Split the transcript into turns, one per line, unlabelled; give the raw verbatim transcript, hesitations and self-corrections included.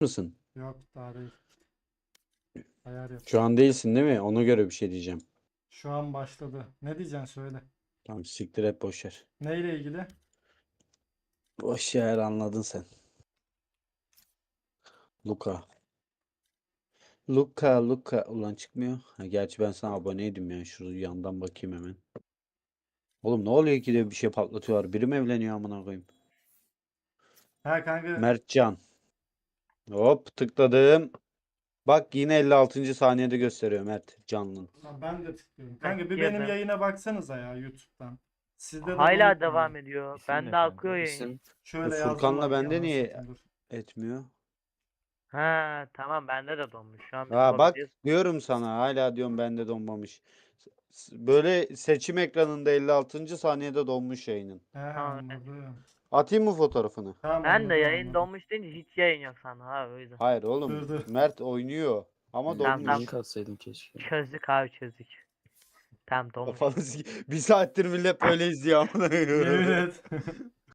mısın?
Yok daha değil. Ayar yap.
Şu an değilsin değil mi? Ona göre bir şey diyeceğim.
Şu an başladı. Ne diyeceksin söyle.
Tamam siktir et boş ver.
Neyle ilgili?
Boş ver anladın sen. Luka. Luka Luka. Ulan çıkmıyor. Ha, gerçi ben sana aboneydim ya. Şurada yandan bakayım hemen. Oğlum ne oluyor ki de bir şey patlatıyorlar. Biri mi evleniyor amına koyayım?
Ha kanka.
Mertcan. Hop tıkladım. Bak yine elli altıncı saniyede gösteriyor Mert Canlı.
Ha, ben de tıklıyorum.
Heh,
Kanka bir benim
girdim.
yayına baksanıza ya YouTube'dan. Sizde de
Hala
donuk mu
devam
ya?
ediyor.
İsim
Ben
ne
de
kanka?
akıyor yayın.
İsim.
Şöyle
Furkan'la
yazdılar.
bende
Anasını
niye
satayım, dur.
etmiyor?
Ha tamam bende de donmuş. Şu an biz
Ha bak
bakacağız.
diyorum sana hala diyorum bende donmamış. S- Böyle seçim ekranında elli altıncı saniyede donmuş yayının.
He
Tamam evet.
anladım.
Atayım mı fotoğrafını?
Tamam
Ben de
anladım
yayın
anladım.
donmuş deyince hiç yayın yok sandım abi o yüzden.
Hayır oğlum.
Dur dur.
Mert oynuyor ama
Tamam,
donmuş.
tamam.
link atsaydım keşke.
Çözdük abi çözdük. Tamam donmuş.
Kafanı sik- Bir saattir millet böyle izliyor amına koyayım.
Yemin et.